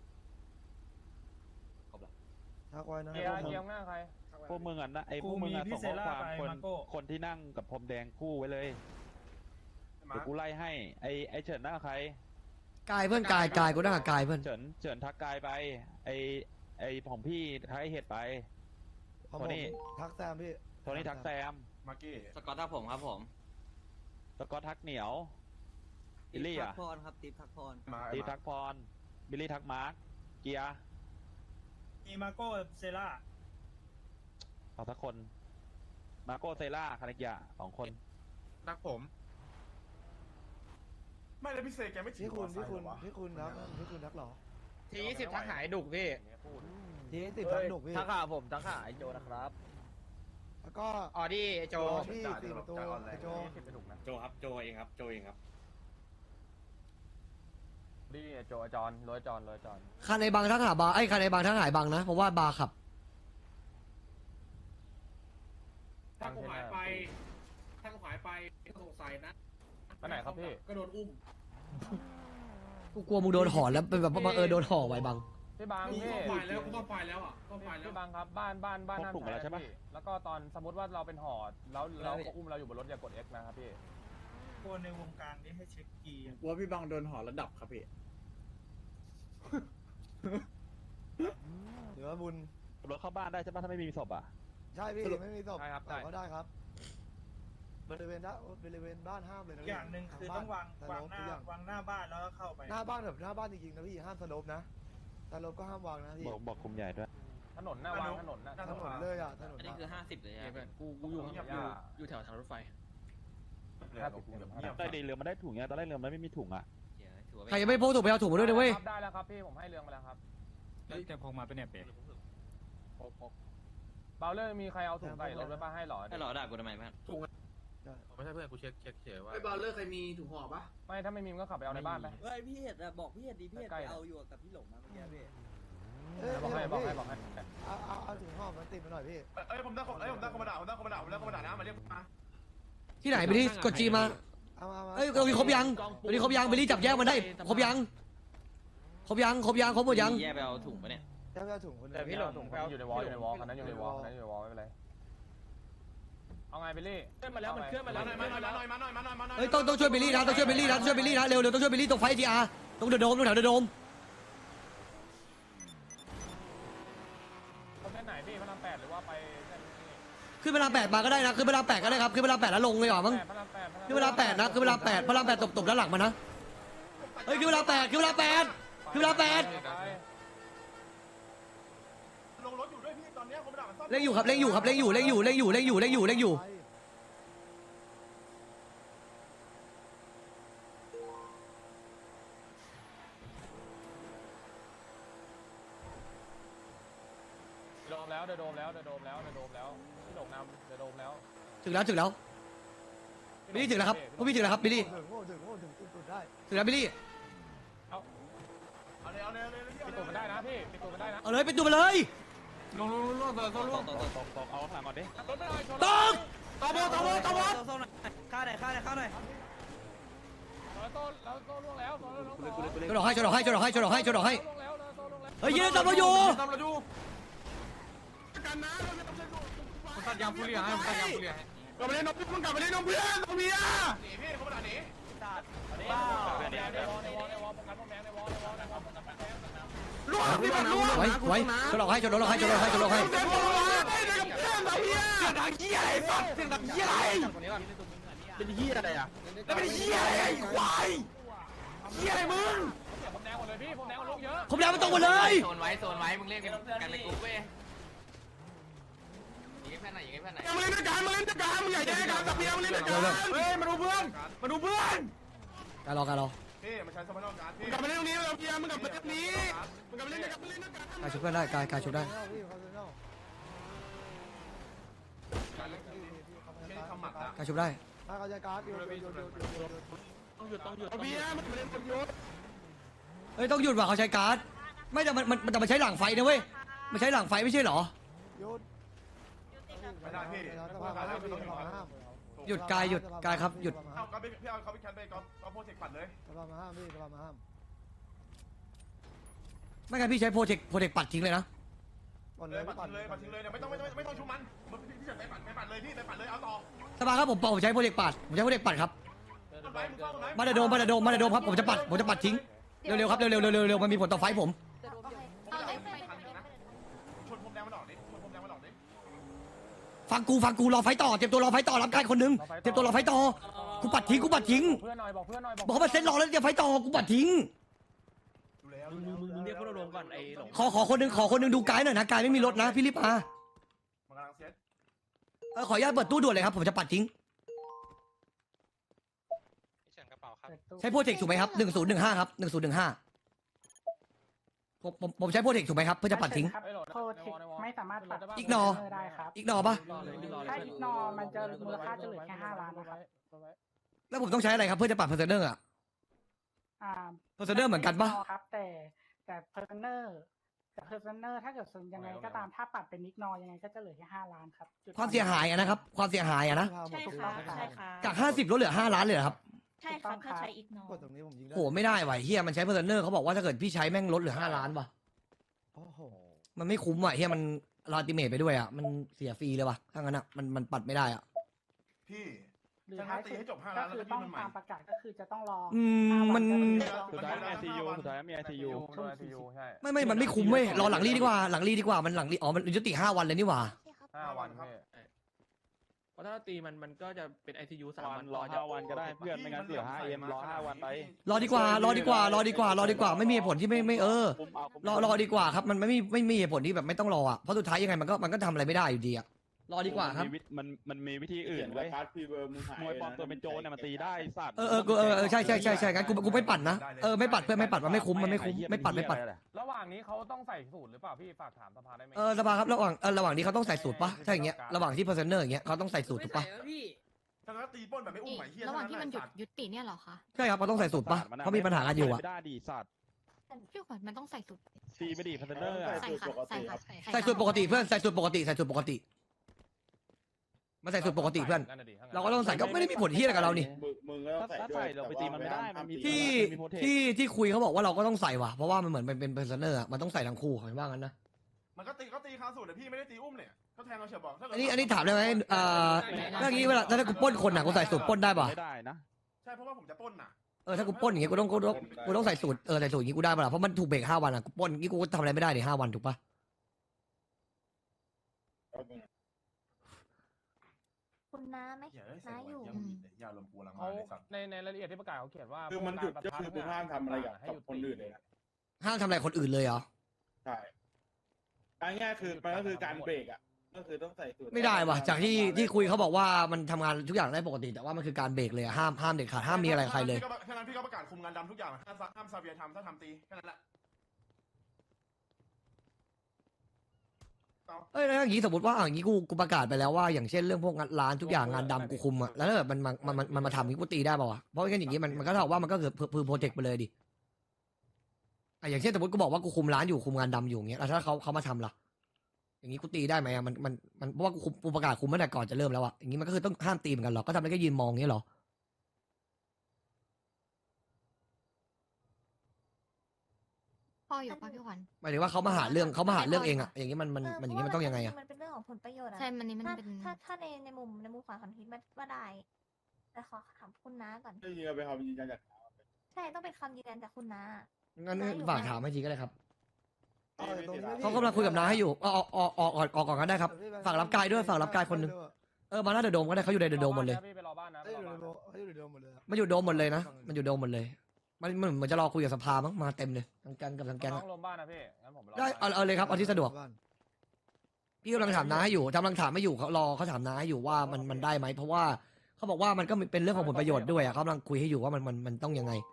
Speaker 9: ครบแล้ว
Speaker 6: ทักไว้นะ
Speaker 2: เกียร์เกียร์หน้าใคร
Speaker 8: พวกมึงอ่ะนะไอ้พวกมึงอ่ะส่งข้อความคนคนที่นั่งกับพรมแดงคู่ไว้เลยเดี๋ยวกูไล่ให้ไอ้ไอ้เฉินหน้าใคร
Speaker 1: กายเพื่อนกายกายกูหน้ากับกายเพื่อน
Speaker 8: เฉินเฉินทักกายไปไอ้ไอ้ของพี่ทักไอ้เห็ดไป
Speaker 6: ของ
Speaker 8: โท
Speaker 6: ผม
Speaker 8: นี่
Speaker 6: ทักแซมพี่
Speaker 8: โทนี่ทักแซม
Speaker 4: มาร์กี้
Speaker 9: สกอตทักผมครับผม
Speaker 8: แล้วก็ทักเหนียวบิลลี่อ่ะ
Speaker 7: ทักพรครับติ๊บทักพร
Speaker 4: มา
Speaker 8: ตีทักพรบิลลี่ทักมาร์คเกียร์
Speaker 3: มีมาโก้เซล่า
Speaker 8: เอาสักคนมาโกเซล่าคาเนกิยะสองคน
Speaker 10: รักผม
Speaker 4: ไม่แล้วพี่เซแกไม่ถื
Speaker 6: พี่
Speaker 4: อ
Speaker 6: คุณ
Speaker 4: มอเตอร์ไซ
Speaker 6: พี่
Speaker 4: ค์
Speaker 6: คุณ
Speaker 4: เหรอวะ
Speaker 6: พี่คุณทักพี่คุณทักเหรอ
Speaker 10: ทียี่สิบทักหายดุกพี่
Speaker 6: ทีนี้ติดทักหนุกพี่
Speaker 9: ทักหาผมทักหาไอโจนะครับ
Speaker 6: แล้วก็
Speaker 10: ออดี้ไอโจ
Speaker 6: รอพี่สี่ประตูไอโจ
Speaker 2: โจครับโจเองครับโจเองครับนี่โจจอนรวยจอนรวยจอน
Speaker 1: คันในบางทั้งหาบาร์ไอ้คันในบางทั้งหายบางนะเพราะว่าบาร์ขับ
Speaker 2: ถ้ากูหายไป
Speaker 10: ถ้าหายไปสงสัยนะ
Speaker 2: ไปไหนครับพี่
Speaker 10: ก็โดนอุ้ม
Speaker 1: กูกลัวมึงโดนห่อแล้วเป็นแบบว่าบังเอิญโดนห่อไว้บัง
Speaker 2: พี่บาง
Speaker 5: กู
Speaker 2: พี่
Speaker 5: เข้าไฟแล้วกูเข้าไฟแล้วอ่ะเข้าไฟแล้ว
Speaker 2: พี่บางครับบ้านบ้านบ้านห้ามใช้นะพี่แล้วก็ตอนสมมติว่าเราเป็นห่อแล้วเราก็อุ้มเราอยู่บนรถอย่ากด X นะครับพี่
Speaker 3: คนในวงการนี้ให้เช็คกีย์
Speaker 5: ว่าพี่บังโดนห่อระดับครับพี่
Speaker 6: หรือว่าบุญ
Speaker 8: รถเข้าบ้านได้ใช่ปะถ้าไม่มีศพอ่ะ
Speaker 6: ใช่พี่ไม่มีศพ
Speaker 2: ใช่ครับ
Speaker 6: แต่
Speaker 2: ได้
Speaker 6: ก็ได้ครับบริเวณด้านบริเวณบ้านห้ามเลยนะ
Speaker 3: อ
Speaker 6: พี่
Speaker 3: ย่างหนึ่งคือต้องวาง
Speaker 6: ส
Speaker 3: วาง
Speaker 6: โลป
Speaker 3: หน้า
Speaker 6: ทุกอย่าง
Speaker 3: วางหน้าบ้านแล้วก็เข้าไป
Speaker 6: หน้าบ้านแบบหน้าบ้านจริงๆนะพี่ห้ามสโลปนะสโลปก็ห้ามวางนะพี่
Speaker 8: บอกบอกคุมใหญ่ด้วย
Speaker 2: ถนนหน้าวางถนนนะ
Speaker 6: ถนนเลยอ่ะถนน
Speaker 9: อันนี้คือห้าสิบเลย
Speaker 5: เนี่ย
Speaker 9: ฮะ
Speaker 5: เพื่อนกูกูอยู่อยู่อยู่แถวทางรถไฟ
Speaker 2: ห้าสิบเงียบ
Speaker 8: ตอนแรกเรือมันได้ถุงเนี่ยตอนแรกเรือมันไม่มีถุงอ่ะ
Speaker 9: ถือว่า
Speaker 1: ใครยังไม่พกถุงไปเอาถุงมาด้วยนะเว้ย
Speaker 2: ได้แล้วครับพี่ผมให้เรื่องมาแล้วครับ
Speaker 3: จะพกมาเป็นเนี่ยเป๊ะ
Speaker 2: เบลเลอร์มีใครเอาถุงใส่รถไว้ป้าให้หรอ
Speaker 9: ให้หรอด่ากูทำไมเพื่อน
Speaker 10: ไม่ใช่เพื่อนกูเช็คเช็คเฉยว่า
Speaker 5: ไอ้บอลเลอร์ใครมีถุงห่อปะ
Speaker 2: ไม่ถ้าไม่มีมันก็ขับไปเอาในบ้านไป
Speaker 7: เฮ้ยพี่เห็ดอะบอกพี่เห็ดดีพี่เห็ด
Speaker 2: ใกล้
Speaker 7: ไป
Speaker 2: ๆ
Speaker 7: เอาอยู่กับพี่หลงมาเมื่อกี้พี่
Speaker 6: เอ้ย
Speaker 2: บอกให้บอกให้บอกให้
Speaker 6: เอาเอาเอาถุงห่อมันติดมาหน่อยพี่
Speaker 4: เอ้ยผมได้เอ้ยผมได้คอมมานดาผมได้คอมมานดาผมได้คอมมานดานะมาเรียกมา
Speaker 1: ที่ไหนไปดิกดจีมา
Speaker 6: เอามามา
Speaker 1: เอ้ยเรามีครบยังวันนี้ครบยังไปรีจับแยกมันได้ครบยังครบยังครบยังครบหมดยัง
Speaker 9: แย่ไปเอาถุงปะเนี่ย
Speaker 6: เจ้าเจ้าถุงคน
Speaker 2: แต่พี่หลงถุงอยู่ในวอลอยู่ในวอลคันนั้นอยู่ในวอลคันนั้นอยู่ในวอลไม่เป็นไรเอาไงไปรี่
Speaker 5: เคลื่อนมาแล้วมันเคลื่อนมาแล้ว
Speaker 4: มาหน่อยมาหน่อยมาหน่อยมาหน่อยมาหน่อย
Speaker 1: เฮ้ยต้องต้องช่วยบิลลี่นะต้องช่วยบิลลี่นะต้องช่วยบิลลี่นะเร็วเร็วต้องช่วยบิลลี่ตรงไฟทีอาร์ตรงเดอะโดมตรงแถวเดอะโดม
Speaker 2: คนเส้นไหนพี่พระรามแปดหรือว่าไปเส้นนี้
Speaker 1: ขึ้นเวลาแปดมาก็ได้นะขึ้นเวลาแปดก็ได้ครับขึ้นเวลาแปดแล้วลงเลยเหรอมั้ง
Speaker 2: พระรามแปด
Speaker 1: ขึ้นเวลาแปดนะขึ้นเวลาแปดพระรามแปดตบตบด้านหลังมานะเฮ้ยขึ้นเวลาแปดขึ้นเวลาแปดขึ้นเวลาแปด
Speaker 4: ลงรถอยู่ด้วยพี่ตอนนี้คอมมานดามันซ่อม
Speaker 1: เล่งอยู่ครับเล่งอยู่ครับเล่งอยู่เล่งอยู่เล่งอยู่เล่งอยู่เล่งอยู่เล่งอยู่
Speaker 2: โดมแล้วเดโดมแล้วเดโดมแล้วเดโดมแล้วพี่หลงนำเดโดมแล้ว
Speaker 1: ถึงแล้วถึงแล้วบิลลี่ถึงแล้วครับพวกพี่ถึงแล้วครับบิลลี่
Speaker 6: ถึงโง่ถึงโง่ถึงสุดได้
Speaker 1: ถึงแล้วบิลลี่
Speaker 4: เอาเลยเอาเลยเอาเลย
Speaker 2: ปิดตัวมันได้นะพี่ปิดตัวมันได้นะ
Speaker 1: เอาเลยเป็นตัวมาเลย
Speaker 5: ลงลงลงลงลงลง
Speaker 8: ตกตกตกเอาข้างหลังก่อนดิ
Speaker 2: รถไม่ได้ชน
Speaker 1: ตก
Speaker 5: ตบตบตบ
Speaker 7: ข้าหน่อยข้าหน่อยข้าหน่อย
Speaker 2: แล้วโต้แล้วโต้ล่วงแล้วโต้ล่วงแล้ว
Speaker 1: ชนดอกให้ชนดอกให้ชนดอกให้ชนดอกให้ชนดอกให้
Speaker 2: ล่วงแล้วโต้ล่วงแล้ว
Speaker 1: เฮ้ยยืนตบเราอยู่
Speaker 5: ตบเราอยู่กันนะผมตัดยางผู้เลี้ยงให้ผมตัดยางผู้เลี้ยงให้กลับไปเล่นนกมึงกลับไปเล่นนกเพื่อนนกเมีย
Speaker 4: หนีพี่คอมมานดาหนี
Speaker 2: บ้าในวอลในวอลในวอลป้องกันป้องแดงในวอลในวอลในวอลป้องกันป้องแดง
Speaker 5: ล่วงพี่มันล่วง
Speaker 1: ไว้ไว้ชนดอกให้ชนดอกให้ชนดอกให้ชนดอกให้
Speaker 5: เต็มตัวไม่ได้กับเพื่อนนกเมียเสียงดังเหี้ยอะไรสัตว์เสียงดังเหี้ยอะไรเป็นเหี้ยอะไรอ่ะแล้วเป็นเหี้ยอะไรไอ้ควายเหี้ยอะไรมึง
Speaker 2: ผมแดงหมดเลยพี่ผมแดงลูกเยอะ
Speaker 1: ผมแล้วมันตรงหมดเลย
Speaker 10: โซนไว้โซนไว้มึงเล่นกันกันในกลุ่มเว้ยยิงให้เพื่อนหน่อยยิงให้เพื่อนหน่อย
Speaker 5: มาเล่นด้วยกันมาเล่นด้วยกันมึงอย่าแยกกันกับเมียมาเล่นด้วยกันเฮ้ยมาดูเพื่อนมาดูเพื่อน
Speaker 1: การรอการรอ
Speaker 4: พี่มาใช้สมรรถการพี่
Speaker 5: มึงกลับมาเล่นตรงนี้กับเมียมึงกลับมาเล่นตรงนี้มึงกลับมาเล่นด้วยกันมาเล่นด้วยกัน
Speaker 1: กายชุบเพื่อนได้กายกายชุบได้
Speaker 6: พี่เขาจะเล่า
Speaker 4: ไม่ได้ทำหมัดนะ
Speaker 1: กายชุบได้
Speaker 6: ถ้าเขาจะการ์ดอยู่อยู่อยู่อยู่อยู่
Speaker 5: ต้องหยุดต้องหยุดเมียมันเล่นคนยุด
Speaker 1: เฮ้ยต้องหยุดว่ะเขาใช้การ์ดไม่แต่มันมันแต่มันใช้หลังไฟนะเว้ยมันใช้หลังไฟไม่ใช่เหรอ
Speaker 6: หยุด
Speaker 4: ไม่ได้พี่
Speaker 6: สภาห้ามพี่สภาห้าม
Speaker 1: หยุดกายหยุดกายครับหยุด
Speaker 4: เอาก็พี่เอาเขาไปแคนไปก็ก็โปรเจกต์ปัดเลย
Speaker 6: สภาห้ามพี่สภาห้าม
Speaker 1: ไม่งั้นพี่ใช้โปรเจกต์โปรเจกต์ปัดทิ้งเลยนะ
Speaker 6: ก่อนเล
Speaker 4: เลย
Speaker 6: ย
Speaker 4: ปัดทิ้งเลยปัดทิ้งเลยเนี่ยไม่ต้องไม่ต้องไม่ต้องชุบมันพี่เฉินไปปัดไปปัดเลยพี่ไปปัดเลยเอาต่อ
Speaker 1: สบายครับผมผมใช้โปรเจกต์ปัดผมใช้โปรเจกต์ปัดครับ
Speaker 4: ต้นไม้มึงเฝ้าต้นไม้
Speaker 1: มาเดโดมมาเดโดมมาเดโดมครับผมจะปัดผมจะปัดทิ้งเร็วๆครับเร็วๆเร็วๆเร็วๆมันมีผลต่อไฟผม
Speaker 11: เอาเลยไปไปไป
Speaker 4: ชนผมแดงมันออกดิชนผมแดงมันออกดิ
Speaker 1: ฟังกูฟังกูรอไฟต่อเตรียมตัวรอไฟต่อรับการคนหนึงเตรียมตัวรอไฟต่อกูปัดทิ้งกูปัดทิ้ง
Speaker 2: เพื่อนหน่อยบอกเพื่อนหน่อย
Speaker 1: บอกเขามาเซ็ตรอแล้วเตรียมไฟต่อกูปัดทิ้ง
Speaker 4: ดูแล้ว
Speaker 5: มึงมึงมึงเรียกพวกเราลงก่อนไอ้หลง
Speaker 1: ขอขอคนหนึงขอคนหนึงดูกายหน่อยนะกายไม่มีรถนะพี่รีบมา
Speaker 4: มันกำลังเซ็ต
Speaker 1: เออขออนุญาตเปิดตู้ด่วนเลยครับผมจะปัดทิ้ง
Speaker 10: เฉินกระเป๋าครับ
Speaker 1: ใช้โปรเจกต์ถูกไหมครับหนึ่งศูนย์หนึ่งห้าครับหนึ่งศูนย์หนึ่งห้าผมผมผมใช้โปรเจกต์ถูกไหมครับเพื่อจะปัดทิ้ง
Speaker 2: โทษ
Speaker 12: ไม่สามารถปัด
Speaker 1: อีกหนอ
Speaker 12: ได้ครับ
Speaker 1: อีกหนอปะ
Speaker 12: ถ้าอีกนอมันจะมูลค่าจะเหลือแค่ห้าล้านนะครับ
Speaker 1: แล้วผมต้องใช้อะไรครับเพื่อจะปัดเพอร์เซนเนอร์อะ
Speaker 12: อ่า
Speaker 1: เพอร์เซนเนอร์เหมือนกันปะ
Speaker 12: ครับ แต่แต่เพอร์เซนเนอร์แต่เพอร์เซนเนอร์ถ้าเกิดส่วนยังไงก็ตามถ้าปัดเป็นนิกนอยังไงก็จะเหลือแค่ห้าล้านครับจุด
Speaker 1: ความเสียหายอะนะครับความเสียหายอะนะ
Speaker 12: ใช่ค่ะใช่ค่ะ
Speaker 1: จากห้าสิบลดเหลือห้าล้านเลยเหรอครับ
Speaker 11: ใช่ครับถ้าใช้อีกนอก
Speaker 6: ดตรงนี้ผมยิงได้
Speaker 1: โหไม่ได้ว่ะเฮียมันใช้เพอร์เซนเนอร์เขาบอกว่าถ้าเกิดพี่ใช้แม่งลดเหลือห้าล้านว่ะ
Speaker 6: โอ้โห
Speaker 1: มันไม่คุ้มว่ะเฮียมันลาติเมทไปด้วยอ่ะมันเสียฟรีเลยว่ะถ้างั้นอ่ะมันมันปัดไม่ได้อ่ะ
Speaker 4: พี่
Speaker 12: หรือ
Speaker 4: ถ้า
Speaker 12: ท้าย
Speaker 4: ตี
Speaker 12: สุด
Speaker 4: ให้จบห้า
Speaker 12: ก็
Speaker 4: ล้านแล้ว
Speaker 12: คือ
Speaker 4: ก็
Speaker 12: ต้
Speaker 4: พี่
Speaker 12: อง
Speaker 4: มันใหม่
Speaker 12: ตามประกาศก็คือจะต้องรอ
Speaker 1: อืม
Speaker 12: ห้าวั
Speaker 1: มัน
Speaker 12: ก็คือ
Speaker 8: สุดท้ายมีไอซียูสุดท้ายมีไอซียู
Speaker 2: โดนไอซียูใช่
Speaker 1: ไม่ไม่มันไม่คุ้มเว้ยรอหลังรีดีกว่าหลังรีดีกว่ามันหลังรีอ๋อมันยุติห้าวันเลยนี่หว่า
Speaker 2: ห้าวันพี่
Speaker 5: เพราะถ้าตีมันมันก็จะเป็นไอซียูสาม
Speaker 8: วั
Speaker 5: วัน น
Speaker 8: รอ
Speaker 5: จะ
Speaker 8: ห้าวันก็ได้เพื่อนไม่งั้นเหลือห้าเอ็มรอห้าวันไป
Speaker 1: รอดีกว่ารอดีกว่ารอดีกว่ารอดีกว่าไม่มีเหตุผลที่ไม่ไม่เออ
Speaker 8: คุ้มเอาคุ้ม
Speaker 1: รอรอดีกว่าครับมันไม่มีไม่มีเหตุผลที่แบบไม่ต้องรออ่ะเพราะสุดท้ายยังไงมันก็มันก็ทำอะไรไม่ได้อยู่ดีอ่ะรอดีกว่าครับ
Speaker 8: มันมีวิมันมันมีวิธีอื่นเว้ยมวยปลอมตัวเป็นโจรเนี่ยมันตีได้สัตว์
Speaker 1: เออเออกูเออเออใช่ใช่ใช่ใช่งั้นกูกูไม่ปั่นนะเออไม่ปัดเพื่อนไม่ปัดมันไม่คุ้มมันไม่คุ้มไม่ปัดไม่ปัด
Speaker 2: ระหว่างนี้เขาต้องใส่สูตรหรือเปล่าพี่ฝากถามสภาได้ไหม
Speaker 1: เออสบายครับระหว่างเออระหว่างนี้เขาต้องใส่สูตรปะถ้าอย่างเงี้ยระหว่างที่เพอร์เซนเนอร์อย่างเงี้ยเขาต้องใส่สูตรถูกปะ
Speaker 9: ไม่ใส่วพี่
Speaker 4: ถ้างั้นตีปล้นแบบไม่อุ้มไหมเฮีย
Speaker 11: ระหว่างที่มันหยุด
Speaker 4: สัตว์
Speaker 11: ยุติเนี่ยเหรอคะ
Speaker 1: ใช่ครับเขาต้องใส่สูตรปะเขามีปัญหากันอยู่อ่ะ
Speaker 8: ไม่ได้ดีสัตว์
Speaker 11: พี่ขวัญมันต้องใส่สุด
Speaker 8: ตีไม่ดีพัฒเนอร์
Speaker 11: ใส่ค่ะใส่ค่ะ
Speaker 1: ใส่สูตรปกติเพื่อนใส่สูตรปกติใส่สูตรปกติมาใส่สูตรปกติเพื่อน เราก็ต้องใส่ก็ไม่ได้มีผลที่อะไรกับเรานี่
Speaker 8: มึงก็ต้องใส่ถ้าใส่เราไปตีมันไม่ได้มันมี
Speaker 1: ที่
Speaker 8: มีโปรเทค
Speaker 1: ที่ที่คุยเขาบอกว่าเราก็ต้องใส่ว่ะเพราะว่ามันเหมือนเป็นเป็นเพอร์เซนเนอร์มันต้องใส่ทั้งคู่เขาว่างั้นนะ
Speaker 4: มันก็ตีก็ตีคาสูตรแต่พี่ไม่ได้ตีอุ้มเนี่ยก็แทงเราเฉียบบอกถ้าเกิด
Speaker 1: อันนี้อันนี้ถามได้ไหมเอ่อเรื่องนี้เวลาถ้ากูปล้นคนอ่ะกูใส่สูตรปล้นได้ป่ะ
Speaker 8: ไม่ได้นะ
Speaker 4: ใช่เพราะว่าผมจะปล้นน่ะ
Speaker 1: เออถ้ากูปล้นอย่างเงี้ยกูต้องกูต้องกูต้องใส่สูตรเออใส่สูตรอย่างงี้กูได้ป่ะล่ะเพราะมันถูกเบรกห้าวันอ่ะกูปล้นอย่างงี้กูก็ทำอะไรไม่ได้ในห้าวันถูกปะ
Speaker 11: คุณน้าไหม
Speaker 4: อย่าได้
Speaker 11: น้าอยู่
Speaker 4: อย่าอย่าลมกูลัง
Speaker 2: เขา
Speaker 4: มาเลยสัตว์
Speaker 2: ในในรายละเอียดที่ประกาศเขาเขียนว่า
Speaker 5: คือมันหยุดก็คือมึงห้ามทำอะไรกับ
Speaker 2: ให้หยุด
Speaker 5: คนอื่นเลยนะ
Speaker 1: ห้ามทำอะไรคนอื่นเลยเหรอ
Speaker 5: ใช่อันง่ายคือมันก็คือการเบรกอ่ะก็คือต้องใส่สูตร
Speaker 1: ไม่ได้ว่ะจากที่ที่คุยเขาบอกว่ามันทำงานทุกอย่างได้ปกติแต่ว่ามันคือการเบรกเลยอะห้ามห้ามเด็ดขาดห้ามมีอะไรกับใครเลย
Speaker 4: แค่นั้นพี่ก็ประกาศคุมงานดำทุกอย่างห้ามห้ามซาเวียทำถ้าทำตีแค่นั้นแหละ
Speaker 1: เอ้ยแล้วอย่างนี้สมมติว่าอ่ะอย่างนี้กูกูประกาศไปแล้วว่าอย่างเช่นเรื่องพวกงานร้านทุกอย่างงานดำกูคุมอะแล้วถ้าเกิดมันมันมันมันมันมาทำอย่างนี้กูตีได้ป่าวะเพราะงั้นอย่างนี้มันมันก็เท่ากับว่ามันก็คือพือโปรเจกต์ไปเลยดิอ่ะอย่างเช่นสมมติกูบอกว่ากูคุมร้านอยู่คุมงานดำอยู่อย่างเงี้ยแล้วถ้าเขาเขามาทำล่ะอย่างนี้กูตีได้ไหมอะมันมันมันเพราะว่ากูคุมกูประกาศคุมตั้งแต่ก่อนจะเริ่มแล้วอะอย่างนี้มันก็คือต้องห้ามตีเหมือนกันหรอก็ทำได้แค่ยืนมองอย่างเงี้ยหรอ
Speaker 11: พ่ออยู่ปะพี่ขวัญ
Speaker 1: หมายถึงว่าเขามาหาเรื่องเขามาหาเรื่องเองอะอย่างนี้มันมันมันอย่างนี้มันต้องยังไงอะ
Speaker 11: มันเป็นเรื่องของผลประโยชน์ใช่มันนี่มันเป็นถ้าถ้าในในมุมในมุมขวาของคิดว่าได้แต่ขอถามคุณน้าก่อน
Speaker 5: ได้ยินเอาไปเขายืนยันจาก
Speaker 11: ใช่ต้องเป็นคำยืนยันจากคุณน้า
Speaker 1: งั้นฝากถามให้ทีก็ได้ครับ
Speaker 6: เอาแต่ตรงนี้ไม่
Speaker 1: เขากำลังคุยกับน้าให้อยู่ออกออกออกออกออกก่อนก็ได้ครับฝากรับกายด้วยฝากรับกายคนหนึงเออมาหน้าเดอะโดมก็ได้เขาอยู่ในเดอะโดมหมดเลย
Speaker 2: พี่ไปรอบ้านนะ
Speaker 6: เอ้ยอยู่ในโดมเขาอยู่ในโดมหมดเลยอะ
Speaker 1: มันอยู่โดมหมดเลยนะมันอยู่โดมหมดเลยมันมันเหมือนจะรอคุยกับสภามั้งมาเต็มเลยทั้งแก๊งกับทั้งแก๊ง
Speaker 2: น้
Speaker 1: อะ
Speaker 2: องลมบ้านนะพี่งั้นผมรอ
Speaker 1: ได้เอาเอาเลยครับเอาที่สะดวก
Speaker 6: บ้าน
Speaker 1: พี่กำลังถามน้าให้อยู่กำลังถามไม่อยู่เขารอเขาถามน้าให้อยู่ว่ามันมันได้ไหมเพราะว่าเขาบอกว่ามันก็เป็นเรื่องของผลประโยชน์ด้วยอะเขากำลังคุยให้อยู่ว่ามันมันมันต้องยังไง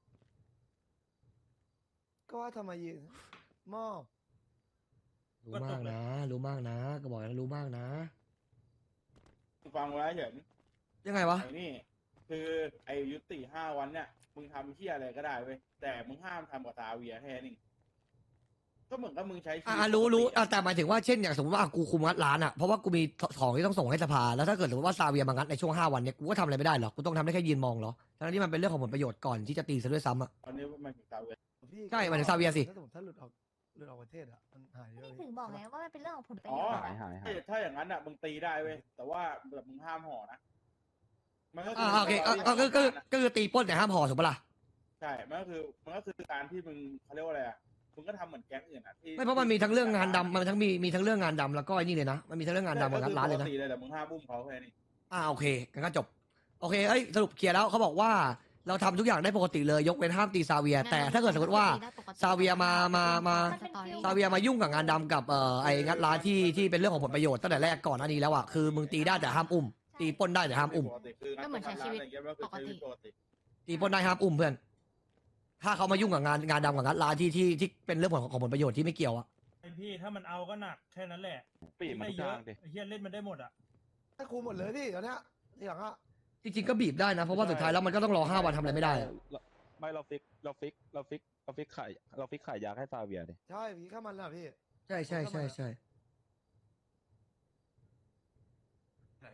Speaker 6: ก็ว่าทำไมยืนมอบ
Speaker 1: รู้มากนะ รู้มากนะ ก็บอกแล้วรู้มากนะ
Speaker 5: ฟังไว้เห็น
Speaker 1: ยังไงวะ
Speaker 5: ไอ้นี่คือไอ้ยุติห้าวันเนี่ยมึงทำเที่ยอะไรก็ได้เว้ยแต่มึงห้ามทำกับซาเวียแค่นี้ก็เหมือนกับมึงใช้ชีวิต
Speaker 1: อ่ารู้รู้อ่ะแต่หมายถึงว่าเช่นอย่างสมมติว่าอ่ะกูคุมงัดร้านอ่ะเพราะว่ากูมีของที่ต้องส่งให้สภาแล้วถ้าเกิดสมมติว่าซาเวียมางัดในช่วงห้าวันเนี่ยกูก็ทำอะไรไม่ได้หรอกกูต้องทำได้แค่ยืนมองเหรอทั้งที่มันเป็นเรื่องของผลประโยชน์ก่อนที่จะตีซะด้วยซ้ำอ่ะ
Speaker 5: ตอนนี้มันถึงซาเวีย
Speaker 6: พี่
Speaker 1: ใช่หมายถึงซาเวียสิ
Speaker 6: ถ้าสมมติถ้าหลุดออกหลุดออกประเทศอ่ะมันหายเยอะ
Speaker 11: นี่
Speaker 6: เลย
Speaker 11: ถึงบอกไงว่ามันเป็นเรื่องของผลประ
Speaker 5: อ๋
Speaker 11: โย
Speaker 5: อ
Speaker 11: ชน์
Speaker 8: หายหายหาย
Speaker 5: ถ้าอย่างนั้นอ่ะมึงตีได้เว้ยแต่ว่าแบบมึงห้ามห่อนะมันก็
Speaker 1: อ่าโอเคอ่ะอ่ะก็ก็ก็คือตีปล้นแต่ห้ามห่อถูกปะล่ะ
Speaker 5: ใช่มันก็คือมันก็คือการที่มึงเขาเรียกว่าอะไรอ่ะมึงก็ทำเหมือนแก๊งอื่นอ่ะที่
Speaker 1: ไม่เพราะมันมีทั้งเรื่องงานดำมันทั้งมีมีทั้งเรื่องงานดำแล้วก็ไอ้นี่เลยนะมันมีทั้งเรื่องงานดำกับงานร้านเลยนะ
Speaker 5: ปกติเลยแต่มึงห้ามบุ้มเขาแค่นี้
Speaker 1: อ่าโอเคงั้นก็จบโอเคเอ้ยสรุปเคลียร์แล้วเขาบอกว่าเราทำทุกอย่างได้ปกติเลยยกเว้นห้ามตีซาเวีย แต่ถ้าเกิดสมมติว่าซาเวียมามามา ซาเวียมายุ่งกับงานดำกับเอ่อไอ้งัดร้านที่ที่เป็นเรื่องของผลประโยชน์ตั้งแต่แรกก่อนหน้านี้แล้วอ่ะคือมึงตีได้แต่ห้ามอุ้มตีปล้นได้แต่ห้ามอุ้ม
Speaker 5: ปกติคือ
Speaker 11: ก็เหมือนใช้ชีวิตปกติ
Speaker 5: ปกติ
Speaker 1: ตีปล้นได้ห้ามอุ้มเพื่อนถ้าเขามายุ่งกับงานงานดำกับงัดร้านที่ที่ที่เป็นเรื่องของของผลประโยชน์ที่ไม่เกี่ยวอ่ะ
Speaker 3: ไอพี่ถ้ามันเอาก็หนักแค่นั้นแหละ
Speaker 8: ปีมัน
Speaker 3: ไม่
Speaker 8: ทุก
Speaker 3: เย
Speaker 8: อ
Speaker 3: อะ
Speaker 8: ย่างดิ
Speaker 3: ไอเฮียเล่นมันได้หมดอ่ะ
Speaker 6: ถ้าคุมหมดเลยพี่ตอนเนี้ยทีหลังอ่ะ
Speaker 1: จริงๆก็บีบได้นะเพราะว่าสุดท้ายแล้วมันก็ต้องรอห้าวันทำอะไรไม่ได้อะ
Speaker 8: ไม่เราฟิกเราฟิกเราฟิกเราฟิกขายเราฟิกขายยาให้ซาเวียดิ
Speaker 6: ใช่พี่ข้ามันแหละพี่
Speaker 1: ใช่ใช่ใช่ใช่
Speaker 4: ไหนพี่ก็คุมหลุก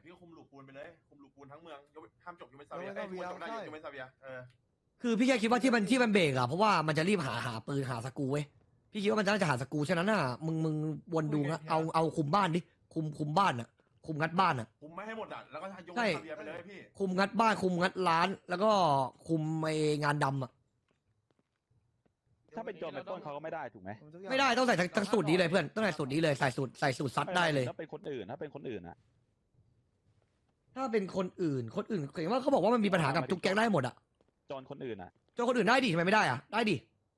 Speaker 4: ปูนไปเลยคุมลูกปูนทั้งเมืองยกห้ามจบยูเวนซาเวียไอ้ยควรจบได้ยูเวนซาเวียเออ
Speaker 1: คือพี่แค่คิดว่าที่มันที่มันเบรกอะเพราะว่ามันจะรีบหาหาปืนหาสกรูเว้ยพี่คิดว่ามันน่าจะหาสกรูฉะนั้นน่ะมึงมึงวนดูนะเอาเอาคุมบ้านดิคุมคุมบ้านอะคุมงัดบ้านอะ
Speaker 4: คุมไม่ให้หมดอ่ะแล้วก็ยก
Speaker 1: ใช่
Speaker 4: ซาเวียไปเลยพี่
Speaker 1: คุมงัดบ้านคุมงัดร้าน แล้วก็คุมไองานดำอะ
Speaker 8: ถ้าเป็นโจรไปปล้นเขาก็ไม่ได้ถูกไหม
Speaker 1: ไม่ได้ต้องใส่ทั้งทั้งสูตรนี้เลยเพื่อนต้องใส่สูตรนี้เลยใส่สูตรใส่สูตรซัดได้เลย
Speaker 8: ถ้าเป็นคนอื่นถ้าเป็นคนอื่นอะ
Speaker 1: ถ้าเป็นคนอื่นคนอื่นเห็นว่าเขาบอกว่ามันมีปัญหากับทุกแก๊งได้หมดอะ
Speaker 8: โจรคนอื่นอะ
Speaker 1: เจ้าคนอื่นได้ดิทำไมไม่ได้อะได้ดิ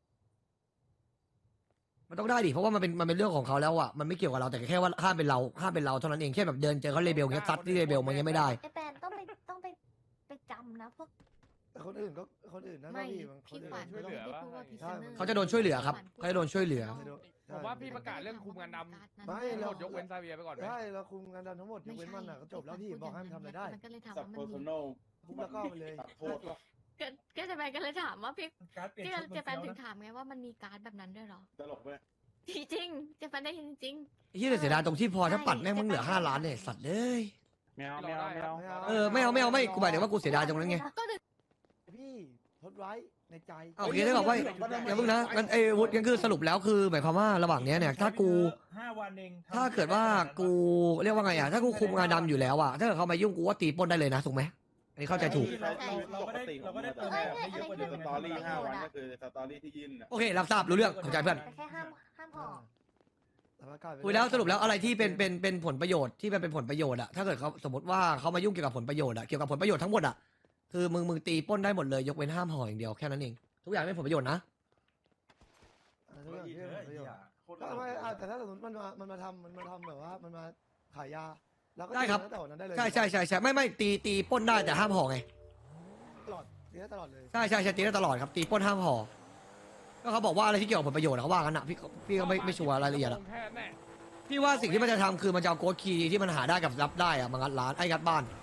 Speaker 1: มันต้องได้ดิเพราะว่ามันเป็นมันเป็นเรื่องของเขาแล้วอะมันไม่เกี่ยวกับเราแต่แค่ว่าห้ามเป็นเราห้ามเป็นเราเท่านั้นเองแค่แบบเดินเจอเขาเลเบลเงี้ยซัดที่เลเบลมันยังไม่ได้
Speaker 11: ไอแปนต้องไปต้องไปไปจำนะพวก
Speaker 6: แต่คนอื่นก็คนอื่นนะ
Speaker 11: ไม่
Speaker 6: พี่บางคน
Speaker 11: พี่
Speaker 6: อื่น
Speaker 11: ขวัญ
Speaker 2: ช่วยเหลือ
Speaker 11: ไม่ได้
Speaker 2: วะ
Speaker 11: พูดว่าพิซ
Speaker 6: ใช่
Speaker 11: เนอร์
Speaker 1: เขาจะโดนช่วยเหลือครับเขาจะโดนช่วยเหลือ
Speaker 2: ผมว่าพี่ประกาศเรื่องคุมงานดำ
Speaker 6: ไม่
Speaker 2: ทั้งห
Speaker 6: เรา
Speaker 2: มดยกเว้นซาเวียไปก่อนไหม
Speaker 6: ใช่เราคุมงานดำทั้งหมดยกเว้นมันอ่ะก็จบแล้วพี่บอกให้มันทำอะไรได้
Speaker 11: มันก็เลยถาม
Speaker 5: สับ
Speaker 11: ว่า
Speaker 5: เพ
Speaker 11: มั
Speaker 5: อน ร์
Speaker 11: มี
Speaker 5: ซันอล
Speaker 6: ทุบแล้วก็ไปเลย
Speaker 5: ตัดโทษว่ะ
Speaker 11: ก็ก็จะไปก็เลยถามว่าพี่
Speaker 3: การ์ดเปลี่ยน
Speaker 11: ที่
Speaker 3: ชุด
Speaker 11: เจแปน
Speaker 3: มัน
Speaker 11: ถึ
Speaker 3: เฟี้ยวนะ
Speaker 11: งถามไงว่ามันมีการ์ดแบบนั้นด้วยเหรอ
Speaker 5: ตลกไหม
Speaker 11: จริงๆเจแปนได้ยินจริง
Speaker 1: ที่เสียดายตรงที่พอถ้าปัดแม่งมึงเหลือห้าล้านเนี่ยสัตว์เลย
Speaker 8: ไม่เอาไม่เอาไม่เอา
Speaker 1: เออไม่เอาไม่เอาไม่กูหมายถึงว่ากูเสียดายตรงนั้นไง
Speaker 11: ก็ถึง
Speaker 6: พี่ทดไว้ในใจ
Speaker 1: เอาโอเคได้บอกว่าอย่าเพิ่งนะงั้นไอ้วุฒิงั้นคือสรุปแล้วคือหมายความว่าระหว่างเนี้ยเนี่ยถ้ากู
Speaker 3: ห้าวันเองทำ
Speaker 1: ถ้าเกิดว่ากูเรียกว่าไงอ่ะถ้ากูคุมงานดำอยู่แล้วอ่ะถ้าเกิดเขามายุ่งกูว่าตีปล้นได้เลยนะถูกไหมอันนี้เข้าใจถูก
Speaker 3: เราเราเราก็ได้เราก็ได้เติมแบบให้เยอะกว่าเดิม
Speaker 5: สตอรี่ห้าวันก็คือสตอรี่ที่ยื่นอ่ะ
Speaker 1: โอเครับทราบรู้เรื่องเข้าใจเพื่อน
Speaker 11: แต่แค่ห้ามห้ามห่อ
Speaker 6: แต่ว่ากลายเป็น
Speaker 1: คุยแล้วสรุปแล้วอะไรที่เป็นเป็นเป็นผลประโยชน์ที่เป็นเป็นผลประโยชน์อ่ะถ้าเกิดเขาสมมติว่าเขามายุ่งเกี่ยวกับผลประโยชน์อ่ะเกี่ยวกับผลประโยชน์ทั้งหมดอ่ะคือมึงมึงตีปล้นได้หมดเลยยกเว้นห้ามห่ออย่างเดียวแค่นั้นเองทุกอย่างเป็นผลประโยชน์นะ
Speaker 6: อ่าทุกอย่างที่เป็นผลประโยชน์
Speaker 4: โคตร
Speaker 6: ก็ไม่อ่าแต่ถ้าสมมติมันมามันมาทำมันมาทำแบบว่ามันมาขายยาเราก็
Speaker 1: ได้ครับ
Speaker 6: ตีตั้งแต่วันนั้นได้เลย
Speaker 1: ใช่ใช่ใช่ใช่ไม่ไม่ตีตีปล้นได้แต่ห้ามห่อไง
Speaker 6: ตลอดตีได้ตลอดเลย
Speaker 1: ใช่ใช่ใช่ตีได้ตลอดครับตีปล้นห้ามห่อก็เขาบอกว่าอะไรที่เกี่ยวกับผลประโยชน์อะเขาว่ากันอ่ะพี่พี่ก็ไม่ไม่ชัวร์รายละเอียดอะ
Speaker 2: แค่แน่
Speaker 1: พี่ว่าสิ่งที่มันจะทำคือมันจะเอาโค้ดคีย์ที่มันหาได้กับรับได้อะมางัดร้านไอ้งัดบ้าน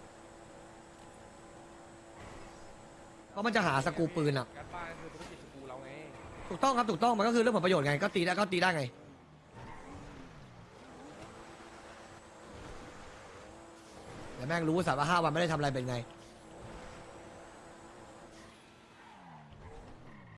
Speaker 1: เพราะมันจะหาสกรูปืนอะ
Speaker 2: การบ้านคือธุรกิจสกูเราไง
Speaker 1: ถูกต้องครับถูกต้องมันก็คือเรื่องผลประโยชน์ไงก็ตีได้ก็ตีได้ไงแต่แม่งรู้สัตว์ว่าห้าวันไม่ได้ทำอะไรเป็นไง